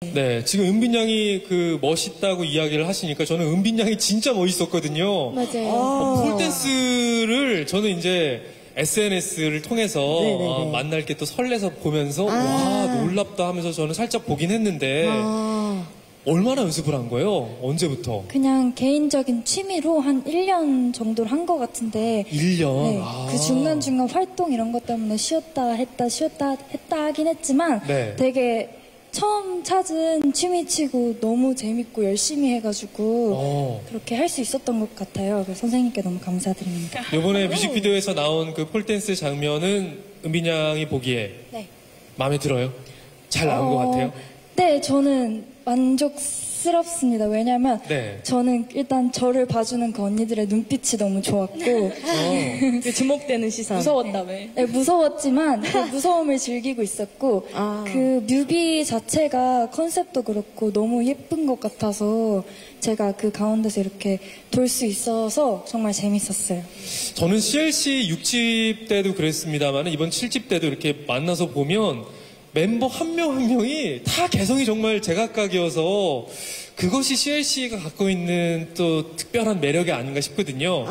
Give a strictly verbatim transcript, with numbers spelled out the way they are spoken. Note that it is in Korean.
네, 지금 은빈 양이 그 멋있다고 이야기를 하시니까 저는 은빈 양이 진짜 멋있었거든요. 맞아요. 어, 폴댄스를 저는 이제 에스엔에스를 통해서 어, 만날 게 또 설레서 보면서 아. 와 놀랍다 하면서 저는 살짝 보긴 했는데 아. 얼마나 연습을 한 거예요? 언제부터? 그냥 개인적인 취미로 한 일 년 정도를 한 것 같은데 일 년? 네, 아. 그 중간중간 활동 이런 것 때문에 쉬었다 했다 쉬었다 했다 하긴 했지만 네. 되게 처음 찾은 취미치고 너무 재밌고 열심히 해가지고 어. 그렇게 할 수 있었던 것 같아요. 그래서 선생님께 너무 감사드립니다. 이번에 뮤직비디오에서 나온 그 폴댄스 장면은 은빈 양이 보기에 네. 마음에 들어요? 잘 나온 것 어, 같아요? 네, 저는 만족스럽습니다. 왜냐면 네. 저는 일단 저를 봐주는 그 언니들의 눈빛이 너무 좋았고 어. 그 주목되는 시선. 무서웠다며. 네, 무서웠지만 그 무서움을 즐기고 있었고 아. 그 뮤비 자체가 컨셉도 그렇고 너무 예쁜 것 같아서 제가 그 가운데서 이렇게 돌 수 있어서 정말 재밌었어요. 저는 씨엘씨 육 집 때도 그랬습니다만 이번 칠 집 때도 이렇게 만나서 보면 멤버 한 명 한 명이 다 개성이 정말 제각각이어서 그것이 씨엘씨가 갖고 있는 또 특별한 매력이 아닌가 싶거든요.